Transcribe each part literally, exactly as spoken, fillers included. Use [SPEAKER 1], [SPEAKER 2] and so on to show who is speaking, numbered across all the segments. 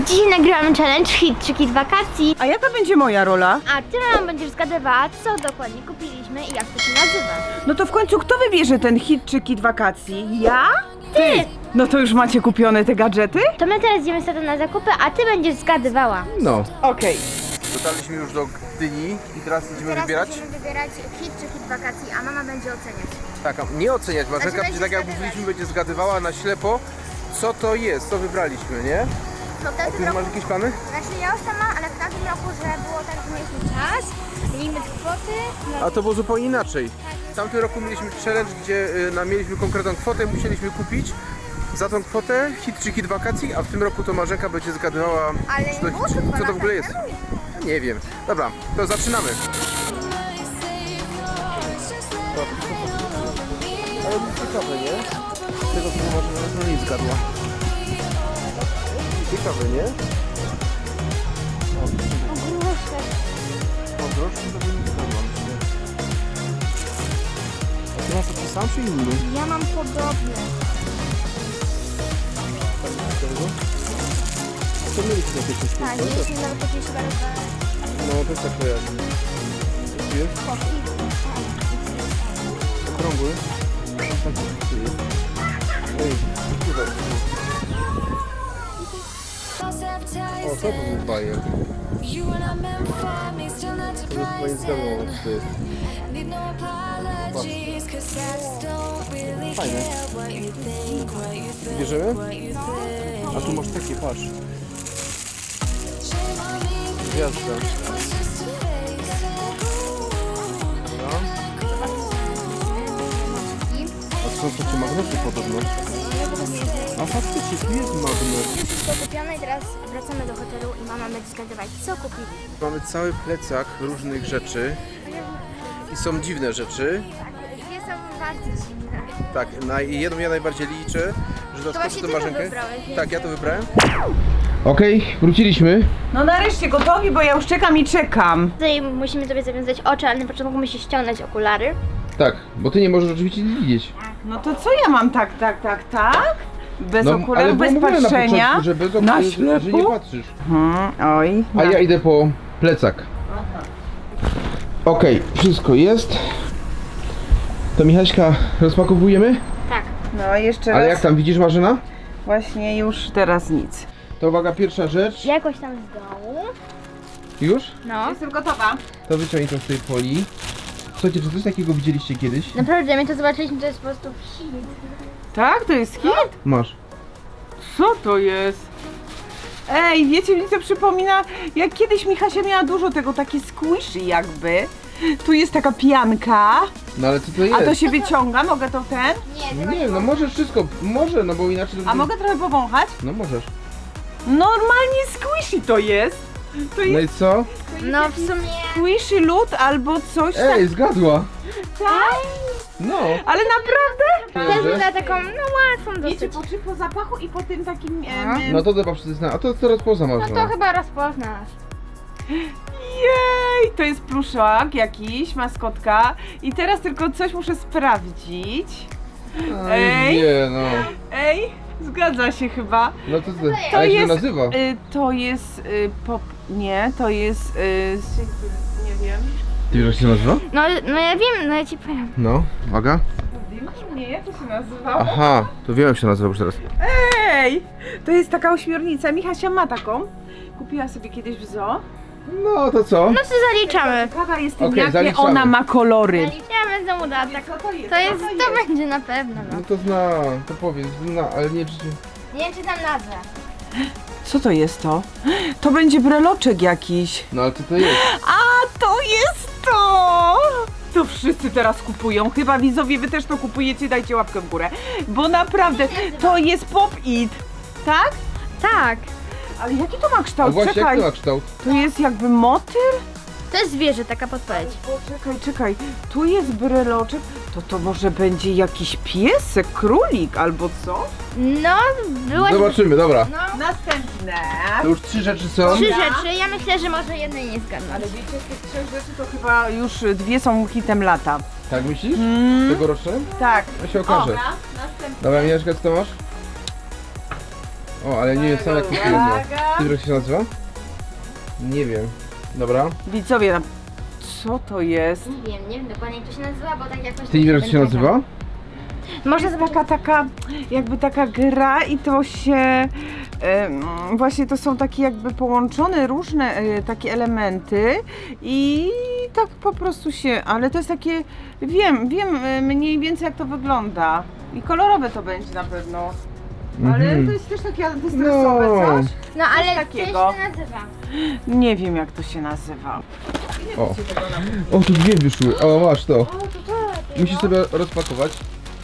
[SPEAKER 1] I dzisiaj nagrywamy challenge Hit czy Kit Wakacji.
[SPEAKER 2] A jaka będzie moja rola?
[SPEAKER 1] A ty nam będziesz zgadywała, co dokładnie kupiliśmy i jak to się nazywa.
[SPEAKER 2] No to w końcu kto wybierze ten hit czy kit wakacji? Ja?
[SPEAKER 1] Ty!
[SPEAKER 2] No to już macie kupione te gadżety?
[SPEAKER 1] To my teraz idziemy sobie na zakupy, a ty będziesz zgadywała.
[SPEAKER 3] No.
[SPEAKER 2] Okej.
[SPEAKER 3] Dotarliśmy już do Gdyni i teraz idziemy
[SPEAKER 1] Teraz
[SPEAKER 3] wybierać.
[SPEAKER 1] będziemy wybierać Hit czy Kit Wakacji, a mama będzie oceniać.
[SPEAKER 3] Tak, a nie oceniać, Marzenka
[SPEAKER 1] Znaczy,
[SPEAKER 3] będzie tak jak
[SPEAKER 1] będzie
[SPEAKER 3] mówiliśmy, będzie zgadywała na ślepo, co to jest, co wybraliśmy, nie?
[SPEAKER 1] No w
[SPEAKER 3] A
[SPEAKER 1] tamtym
[SPEAKER 3] ty
[SPEAKER 1] roku,
[SPEAKER 3] masz jakieś plany?
[SPEAKER 1] znaczy ja już tam mam, ale w tamtym roku, że było tak, że mieliśmy czas, limit kwoty. No
[SPEAKER 3] A to było zupełnie inaczej. W tamtym roku mieliśmy challenge, gdzie y, na, mieliśmy konkretną kwotę, musieliśmy kupić za tą kwotę hit czy kit wakacji, a w tym roku to Marzenka będzie zgadywała,
[SPEAKER 1] Ale
[SPEAKER 3] czy to,
[SPEAKER 1] było to
[SPEAKER 3] czy,
[SPEAKER 1] dwa
[SPEAKER 3] co to w
[SPEAKER 1] lata
[SPEAKER 3] ogóle jest.
[SPEAKER 1] temu.
[SPEAKER 3] Nie wiem. Dobra, to zaczynamy. Ale to ciekawe, nie? Tego co Marzena no nie zgadła. Ciekawe, nie? O, groszy to bym nie zgadłam. A ty masz taki sam czy inny?
[SPEAKER 1] Ja mam podobne.
[SPEAKER 3] To mieliśmy jakieś coś
[SPEAKER 1] Tak, mieliśmy nawet jakieś chyba rozwalone.
[SPEAKER 3] No, też tak kojarzę. Jaki jest? Okrągły? Taki jest. Ej, super. O, to był bajer. To już chyba nie zgadło, co to jest. Fajne. Bierzemy? A tu masz takie, patrz. Gwiazda. No. A są takie magnety podobno. A faktycznie, tu jest magnet.
[SPEAKER 1] Wszystko kupione i teraz wracamy do hotelu i mama będzie zgadywać, co kupili.
[SPEAKER 3] Mamy cały plecak różnych rzeczy. I są dziwne rzeczy.
[SPEAKER 1] Dwie są bardzo dziwne.
[SPEAKER 3] Tak, na jedną ja najbardziej liczę, że doskoczy
[SPEAKER 1] właśnie
[SPEAKER 3] do
[SPEAKER 1] ty to
[SPEAKER 3] Marzenkę.
[SPEAKER 1] wybrałeś, więc-
[SPEAKER 3] Tak, ja to wybrałem. Okej, wróciliśmy.
[SPEAKER 2] No nareszcie gotowi, bo ja już czekam i czekam.
[SPEAKER 1] Tutaj musimy sobie zawiązać oczy, ale na początku musisz ściągnąć okulary.
[SPEAKER 3] Tak, bo ty nie możesz oczywiście nic widzieć.
[SPEAKER 2] No to co ja mam tak, tak, tak, tak? Bez
[SPEAKER 3] No,
[SPEAKER 2] okularów, bez
[SPEAKER 3] było mówione
[SPEAKER 2] patrzenia?
[SPEAKER 3] na początku, że bez
[SPEAKER 2] Na
[SPEAKER 3] okularów, że
[SPEAKER 2] ślepo?
[SPEAKER 3] nie patrzysz.
[SPEAKER 2] Hmm, oj.
[SPEAKER 3] A ja idę po plecak. Okej, wszystko jest. To Michaśka rozpakowujemy?
[SPEAKER 1] Tak.
[SPEAKER 2] No jeszcze
[SPEAKER 3] Ale
[SPEAKER 2] raz.
[SPEAKER 3] jak tam widzisz, Marzena?
[SPEAKER 2] Właśnie już teraz nic.
[SPEAKER 3] To uwaga, pierwsza rzecz.
[SPEAKER 1] Jakoś tam z dołu.
[SPEAKER 3] Już?
[SPEAKER 1] No.
[SPEAKER 2] Jestem gotowa.
[SPEAKER 3] To wyciągnij to z tej folii. Słuchajcie, czy coś takiego widzieliście kiedyś?
[SPEAKER 1] Naprawdę, my to zobaczyliśmy, to jest po prostu hit.
[SPEAKER 2] Tak? To jest hit?
[SPEAKER 3] Masz.
[SPEAKER 2] Co to jest? Ej, wiecie, mi to przypomina, jak kiedyś Michasia miała dużo tego, takie squishy jakby. Tu jest taka pianka,
[SPEAKER 3] No ale co to jest?
[SPEAKER 2] a to się wyciąga, mogę to ten?
[SPEAKER 1] Nie,
[SPEAKER 3] Nie wiem, no możesz wszystko, może, no bo inaczej to...
[SPEAKER 2] A mogę trochę powąchać?
[SPEAKER 3] No możesz.
[SPEAKER 2] Normalnie squishy to jest. To
[SPEAKER 3] No
[SPEAKER 2] jest
[SPEAKER 3] i co?
[SPEAKER 1] No w sumie...
[SPEAKER 2] squishy lód albo coś tak.
[SPEAKER 3] Ej, zgadła!
[SPEAKER 2] Tak?
[SPEAKER 3] No.
[SPEAKER 2] Ale naprawdę?
[SPEAKER 1] Też za taką, no łatwą
[SPEAKER 2] Wiecie,
[SPEAKER 1] dosyć.
[SPEAKER 2] po, czy po zapachu i po tym takim...
[SPEAKER 1] No.
[SPEAKER 2] Em,
[SPEAKER 3] No to chyba przyzna. A to teraz poza
[SPEAKER 1] No
[SPEAKER 3] Marzena.
[SPEAKER 1] to chyba rozpoznasz.
[SPEAKER 2] Jej, to jest pluszak jakiś, maskotka. I teraz tylko coś muszę sprawdzić.
[SPEAKER 3] Ej.
[SPEAKER 2] Ej.
[SPEAKER 3] Nie no.
[SPEAKER 2] Ej, zgadza się chyba.
[SPEAKER 3] No to, to,
[SPEAKER 2] To
[SPEAKER 3] a jak się
[SPEAKER 2] jest,
[SPEAKER 3] nazywa?
[SPEAKER 2] Y, to jest y, pop... Nie, to jest... Y, nie wiem.
[SPEAKER 3] Ty wiesz jak się nazywa?
[SPEAKER 1] No, no ja wiem, no ja ci powiem.
[SPEAKER 3] No, uwaga.
[SPEAKER 2] Nie, jak to się nazywało?
[SPEAKER 3] Aha, to wiem jak się nazywa już teraz.
[SPEAKER 2] Ej, to jest taka ośmiornica. Michasia ma taką. Kupiła sobie kiedyś w zoo.
[SPEAKER 3] No to co?
[SPEAKER 1] No to zaliczamy.
[SPEAKER 2] Ciekawa jestem,
[SPEAKER 3] Okej,
[SPEAKER 2] jakie
[SPEAKER 3] zaliczamy.
[SPEAKER 2] ona ma kolory.
[SPEAKER 1] Zaliczamy za uda, tak.
[SPEAKER 2] Co to jest?
[SPEAKER 1] To jest,
[SPEAKER 2] Co
[SPEAKER 1] to będzie na pewno, no.
[SPEAKER 3] No to zna, to powiedz, zna, ale nie czy...
[SPEAKER 1] Nie wiem, czy tam nazwę.
[SPEAKER 2] Co to jest to? To będzie breloczek jakiś.
[SPEAKER 3] No ale co to jest?
[SPEAKER 2] A to jest to! To wszyscy teraz kupują. Chyba widzowie, wy też to kupujecie, dajcie łapkę w górę. Bo naprawdę, to jest pop-it. Tak?
[SPEAKER 1] Tak.
[SPEAKER 2] Ale jaki to ma
[SPEAKER 3] A
[SPEAKER 2] kształt?
[SPEAKER 3] właśnie jak
[SPEAKER 2] Czekaj.
[SPEAKER 3] to ma kształt?
[SPEAKER 2] To jest jakby motyl?
[SPEAKER 1] To jest zwierzę, taka podpowiedź.
[SPEAKER 2] Czekaj, czekaj. Tu jest breloczek. To to może będzie jakiś piesek, królik albo co?
[SPEAKER 1] No, byłaś...
[SPEAKER 3] Zobaczymy, dobra.
[SPEAKER 1] No,
[SPEAKER 2] Następne.
[SPEAKER 3] To już trzy rzeczy są.
[SPEAKER 1] trzy rzeczy. Ja myślę, że może jednej nie zgadnąć.
[SPEAKER 2] Ale wiecie, z tych trzech rzeczy to chyba już dwie są hitem lata.
[SPEAKER 3] Tak myślisz?
[SPEAKER 2] Mm.
[SPEAKER 3] Tegoroczne?
[SPEAKER 2] Tak.
[SPEAKER 3] To się okaże.
[SPEAKER 2] Następne.
[SPEAKER 3] Dobra, Mieszka, co to masz? O, ale nie jest sam jak kupiłem.
[SPEAKER 2] Uwaga.
[SPEAKER 3] Wiesz jak się nazywa? Nie wiem. Dobra.
[SPEAKER 2] Widzowie, co to jest?
[SPEAKER 1] Nie wiem, nie wiem dokładnie jak to się nazywa, bo tak jakoś...
[SPEAKER 3] Ty nie wiesz jak się nazywa?
[SPEAKER 1] Może
[SPEAKER 2] Jest taka, taka, jakby taka gra i to się, em, właśnie to są takie jakby połączone różne e, takie elementy i tak po prostu się, ale to jest takie, wiem, wiem e, mniej więcej jak to wygląda i kolorowe to będzie na pewno, ale
[SPEAKER 3] Mhm.
[SPEAKER 2] to jest też takie antystresowe
[SPEAKER 3] No.
[SPEAKER 2] coś.
[SPEAKER 1] No ale
[SPEAKER 2] Coś
[SPEAKER 1] co
[SPEAKER 2] takiego.
[SPEAKER 1] się nazywa?
[SPEAKER 2] Nie wiem jak to się nazywa.
[SPEAKER 3] O. O, tu dwie wyszły. O, masz to.
[SPEAKER 1] O, to to
[SPEAKER 3] Musisz sobie rozpakować.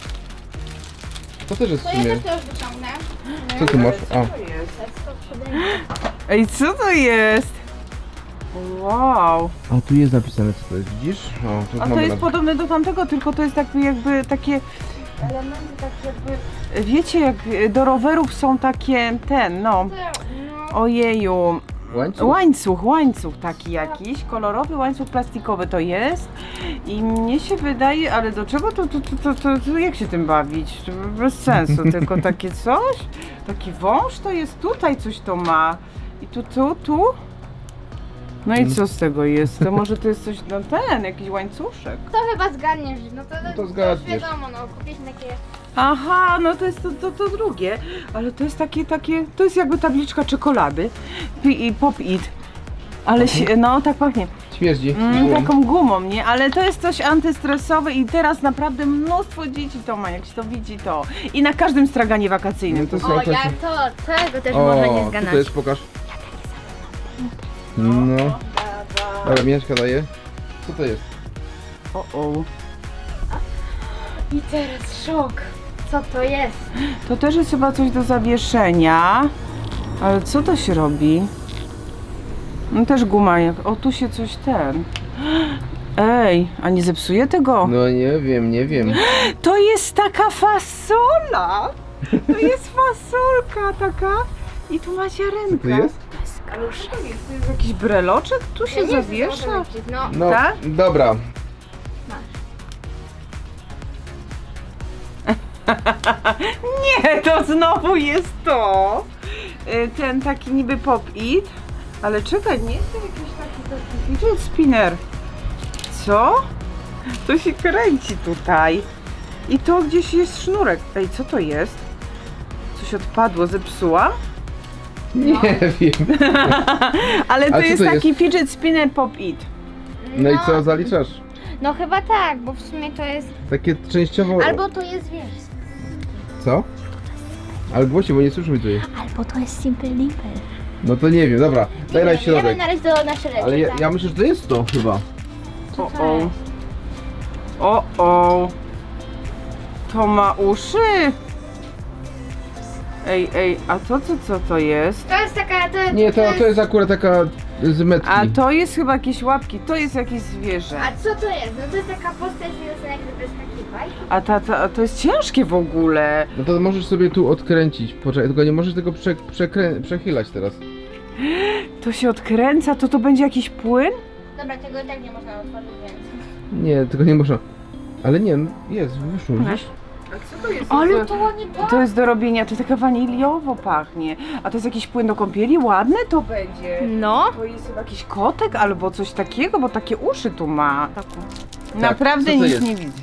[SPEAKER 3] To też jest w
[SPEAKER 1] To ja
[SPEAKER 3] sumie.
[SPEAKER 1] też to już wyciągnę.
[SPEAKER 3] Co tu masz?
[SPEAKER 2] Co
[SPEAKER 3] A.
[SPEAKER 2] to jest? Ej, co to jest? Wow.
[SPEAKER 3] A tu jest napisane co to jest, widzisz? O, tu
[SPEAKER 2] A to
[SPEAKER 3] mamy
[SPEAKER 2] jest
[SPEAKER 3] na-
[SPEAKER 2] podobne do tamtego, tylko to jest jakby, jakby takie elementy, tak jakby... Wiecie, jak do rowerów są takie, ten, no,
[SPEAKER 1] No.
[SPEAKER 2] ojeju,
[SPEAKER 3] Łańcuch?
[SPEAKER 2] łańcuch, łańcuch taki jakiś, kolorowy łańcuch plastikowy to jest i mnie się wydaje, ale do czego to, to, to, to, to, to jak się tym bawić? To bez sensu, tylko takie coś, taki wąż to jest tutaj, coś to ma i tu, tu, tu. No i co z tego jest? To może to jest coś, no ten, jakiś łańcuszek.
[SPEAKER 1] To chyba zgadniesz, no to,
[SPEAKER 3] to
[SPEAKER 1] już
[SPEAKER 3] zgadniesz.
[SPEAKER 1] wiadomo, no kupiliśmy takie...
[SPEAKER 2] Aha, no to jest to, to, to drugie, ale to jest takie, takie, to jest jakby tabliczka czekolady i pop-it, ale się, no tak pachnie,
[SPEAKER 3] Śmierdzi.
[SPEAKER 2] mm, taką gumą, nie, ale to jest coś antystresowe i teraz naprawdę mnóstwo dzieci to ma, jak się to widzi to i na każdym straganie wakacyjnym.
[SPEAKER 3] No to
[SPEAKER 2] to
[SPEAKER 3] są
[SPEAKER 1] O,
[SPEAKER 3] takie...
[SPEAKER 1] ja to, tego też można nie
[SPEAKER 3] O,
[SPEAKER 1] zgadnąć.
[SPEAKER 3] co to jest? Pokaż. No. Dobra, Mieszka daje. Co to jest?
[SPEAKER 2] O, o.
[SPEAKER 1] I teraz szok. Co to jest?
[SPEAKER 2] To też jest chyba coś do zawieszenia, ale co to się robi? No też guma, jak, o tu się coś ten, ej, a nie zepsuje tego?
[SPEAKER 3] No nie wiem, nie wiem.
[SPEAKER 2] To jest taka fasola! To jest fasolka taka i tu ma
[SPEAKER 3] Co
[SPEAKER 2] ziarenka.
[SPEAKER 3] to jest?
[SPEAKER 2] Ale co to jest? To jest jakiś breloczek? Tu się
[SPEAKER 1] Ja nie wiem,
[SPEAKER 2] zawiesza?
[SPEAKER 1] co to znaczy. No,
[SPEAKER 3] No,
[SPEAKER 2] Tak?
[SPEAKER 3] dobra.
[SPEAKER 2] Nie, to znowu jest to! Y, Ten taki niby pop-it, ale czekaj, nie jest to jakiś taki, taki fidget spinner. Co? To się kręci tutaj. I to gdzieś jest sznurek. Ej, co to jest? Coś odpadło, zepsuła?
[SPEAKER 3] Nie wiem.
[SPEAKER 2] Ale
[SPEAKER 3] A
[SPEAKER 2] to
[SPEAKER 3] co
[SPEAKER 2] jest
[SPEAKER 3] to
[SPEAKER 2] taki fidget spinner pop-it.
[SPEAKER 3] No i co zaliczasz?
[SPEAKER 1] No chyba tak, bo w sumie to jest...
[SPEAKER 3] Takie częściowo...
[SPEAKER 1] Albo to jest, wiesz...
[SPEAKER 3] Co? Ale głośniej, bo nie słyszymy tutaj.
[SPEAKER 1] Albo to jest Simple Dimple.
[SPEAKER 3] No to nie wiem, dobra. Daj na
[SPEAKER 1] Ja
[SPEAKER 3] środek.
[SPEAKER 1] na razie do naszej rzeczy,
[SPEAKER 3] Ale ja,
[SPEAKER 1] tak?
[SPEAKER 3] ja myślę, że to jest to chyba.
[SPEAKER 2] O, o. O, o. To ma uszy. Ej, ej, a to co, co to jest?
[SPEAKER 1] To jest taka... To,
[SPEAKER 3] Nie, to, to jest akurat taka z metki.
[SPEAKER 2] A to jest chyba jakieś łapki, to jest jakieś zwierzę.
[SPEAKER 1] A co to jest? No to jest taka postać związana jak gdyby z takiej bajki.
[SPEAKER 2] A ta, ta, a to jest ciężkie w ogóle.
[SPEAKER 3] No to możesz sobie tu odkręcić. Poczekaj, tylko nie możesz tego prze, przekrę, przechylać teraz.
[SPEAKER 2] To się odkręca, to to będzie jakiś płyn?
[SPEAKER 1] Dobra, tego i tak nie można otworzyć, więc...
[SPEAKER 3] Nie, tylko nie można. Ale nie, no jest, wyszło, widzisz?
[SPEAKER 2] A co to jest?
[SPEAKER 1] Ale to ładnie
[SPEAKER 2] To jest do robienia, to taka waniliowo pachnie. A to jest jakiś płyn do kąpieli? Ładne to będzie.
[SPEAKER 1] No.
[SPEAKER 2] To jest chyba jakiś kotek albo coś takiego, bo takie uszy tu ma. Naprawdę
[SPEAKER 3] co to
[SPEAKER 2] nic
[SPEAKER 3] jest?
[SPEAKER 2] nie widzę.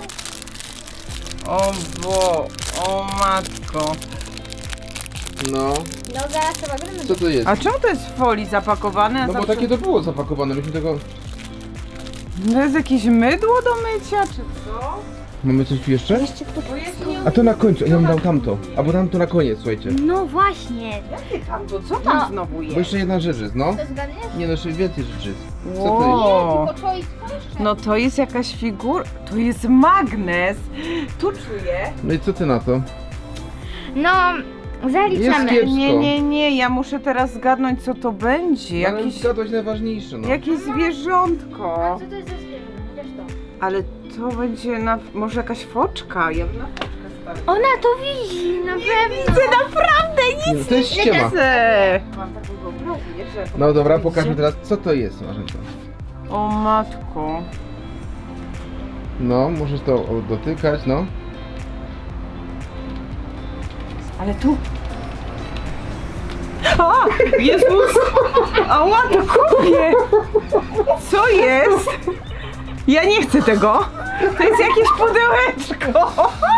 [SPEAKER 2] O bo, o matko.
[SPEAKER 3] No,
[SPEAKER 1] No zaraz trzeba go
[SPEAKER 3] co to jest?
[SPEAKER 2] A czemu to jest w folii zapakowane? A
[SPEAKER 3] No bo
[SPEAKER 2] zawsze-
[SPEAKER 3] takie to było zapakowane, myśmy tego...
[SPEAKER 2] To jest jakieś mydło do mycia, czy co?
[SPEAKER 3] Mamy coś tu jeszcze?
[SPEAKER 1] Jeszcze kto
[SPEAKER 2] Bo jest nie...
[SPEAKER 3] A to na końcu, ja bym dał tamto. Albo tamto na koniec, słuchajcie.
[SPEAKER 1] No właśnie.
[SPEAKER 2] Jakie tam to? Co tam
[SPEAKER 1] No.
[SPEAKER 2] znowu
[SPEAKER 3] Bo
[SPEAKER 2] jest?
[SPEAKER 3] jeszcze jedna rzecz jest, no.
[SPEAKER 1] To zgadniesz?
[SPEAKER 3] Nie no, jeszcze więcej rzeczy jest. Co to
[SPEAKER 2] Wow.
[SPEAKER 1] Nie, tylko choice to jeszcze.
[SPEAKER 2] No to jest jakaś figura, to jest magnes. Tu czuję.
[SPEAKER 3] jest? No i co ty na to?
[SPEAKER 1] No, zaliczamy.
[SPEAKER 3] Jest kiepsko.
[SPEAKER 2] Nie, nie, nie, ja muszę teraz zgadnąć co to będzie.
[SPEAKER 3] Ale
[SPEAKER 2] Jakiś,
[SPEAKER 3] zgadłeś najważniejsze, no.
[SPEAKER 2] jakieś
[SPEAKER 1] A
[SPEAKER 2] zwierzątko.
[SPEAKER 1] co to jest za zwierzę? Chociaż to.
[SPEAKER 2] Ale to będzie na, może jakaś foczka. Ja bym na foczkę stawiła.
[SPEAKER 1] Ona to widzi, na pewno.
[SPEAKER 2] Widzę naprawdę
[SPEAKER 3] Nie, no to jest ściema.
[SPEAKER 2] widzę. Mam taką wyobraźnię, że...
[SPEAKER 3] No dobra, pokażmy teraz, co to jest, Marzenko.
[SPEAKER 2] O matko.
[SPEAKER 3] No, możesz to o, dotykać, no.
[SPEAKER 2] Ale tu... A, Jezus! Ała, to kupię! Co jest? Ja nie chcę tego. To jest jakieś pudełeczko.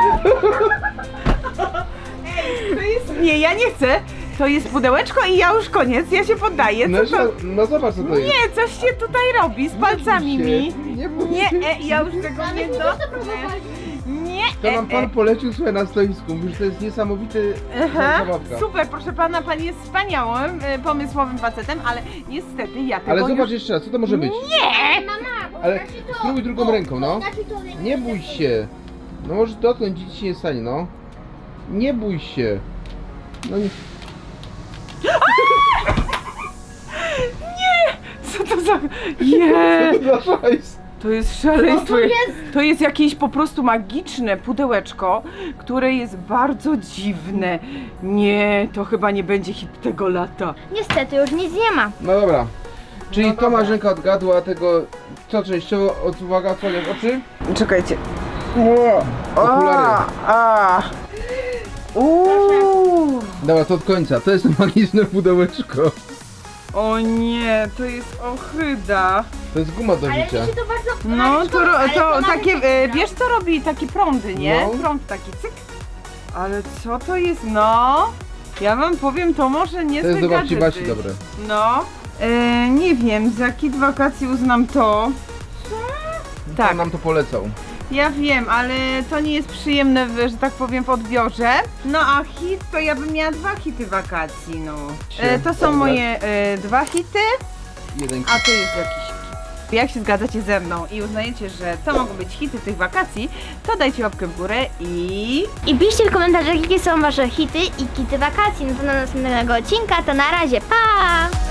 [SPEAKER 2] Ej, to jest... Nie, ja nie chcę. To jest pudełeczko i ja już koniec, ja się poddaję.
[SPEAKER 3] No,
[SPEAKER 2] Co to...
[SPEAKER 3] no zobacz co to jest.
[SPEAKER 2] Nie, coś się tutaj robi z palcami mi.
[SPEAKER 3] Nie bój
[SPEAKER 2] Nie,
[SPEAKER 3] się.
[SPEAKER 2] e, ja już tego nie dotknę. Nie,
[SPEAKER 3] To nam
[SPEAKER 2] e,
[SPEAKER 3] pan
[SPEAKER 2] e.
[SPEAKER 3] polecił słuchaj na stoisku, mówisz, że to jest niesamowity
[SPEAKER 2] Aha,
[SPEAKER 3] zabawka.
[SPEAKER 2] super, proszę pana, pan jest wspaniałym, e, pomysłowym facetem, ale niestety ja tego
[SPEAKER 3] Ale zobacz
[SPEAKER 2] już...
[SPEAKER 3] jeszcze raz, co to może być?
[SPEAKER 2] Nie!
[SPEAKER 1] Mama, bo
[SPEAKER 3] Ale
[SPEAKER 1] znaczy to...
[SPEAKER 3] spróbuj drugą ręką, no.
[SPEAKER 1] To znaczy to...
[SPEAKER 3] Nie bój się. No może dotknąć, nic ci nie stanie, no. Nie bój się. No nie.
[SPEAKER 2] Co to za... Nie!
[SPEAKER 3] Co to za szajs?
[SPEAKER 2] To jest szaleństwo.
[SPEAKER 1] Co to jest?
[SPEAKER 2] To jest jakieś po prostu magiczne pudełeczko, które jest bardzo dziwne. Nie, to chyba nie będzie hit tego lata.
[SPEAKER 1] Niestety już nic nie ma.
[SPEAKER 3] No dobra. Czyli
[SPEAKER 2] No
[SPEAKER 3] to
[SPEAKER 2] dobra.
[SPEAKER 3] Marzenka odgadła tego, co częściowo, od, uwaga, odsłaniasz oczy?
[SPEAKER 2] Czekajcie.
[SPEAKER 3] Okulary.
[SPEAKER 2] A. Uuu.
[SPEAKER 3] Dobra, to od końca, to jest to magiczne pudełeczko.
[SPEAKER 2] O nie, to jest ohyda.
[SPEAKER 3] To jest guma do
[SPEAKER 1] Ale mi
[SPEAKER 3] życia.
[SPEAKER 1] się to bardzo...
[SPEAKER 2] No to, ro-
[SPEAKER 1] Ale
[SPEAKER 2] to
[SPEAKER 1] mamy
[SPEAKER 2] takie,
[SPEAKER 1] takie
[SPEAKER 2] e,
[SPEAKER 1] no.
[SPEAKER 2] wiesz co robi takie prądy, nie?
[SPEAKER 3] No.
[SPEAKER 2] Prąd taki cyk. Ale co to jest, no? Ja wam powiem, to może nie
[SPEAKER 3] To jest do babci
[SPEAKER 2] gadżety.
[SPEAKER 3] Basi dobre.
[SPEAKER 2] No, e, nie wiem, za kit wakacji uznam to. Tak,
[SPEAKER 3] On nam to polecał.
[SPEAKER 2] ja wiem, ale to nie jest przyjemne, w- że tak powiem, w odbiorze. No a hit, to ja bym miała dwa hity wakacji, no. E, to są moje e, dwa hity,
[SPEAKER 3] Jeden
[SPEAKER 2] a to jest jakiś hit. Jak się zgadzacie ze mną i uznajecie, że to mogą być hity tych wakacji, to dajcie łapkę w górę i...
[SPEAKER 1] I piszcie w komentarzach, jakie są wasze hity i kity wakacji. No to do następnego odcinka, to na razie, pa!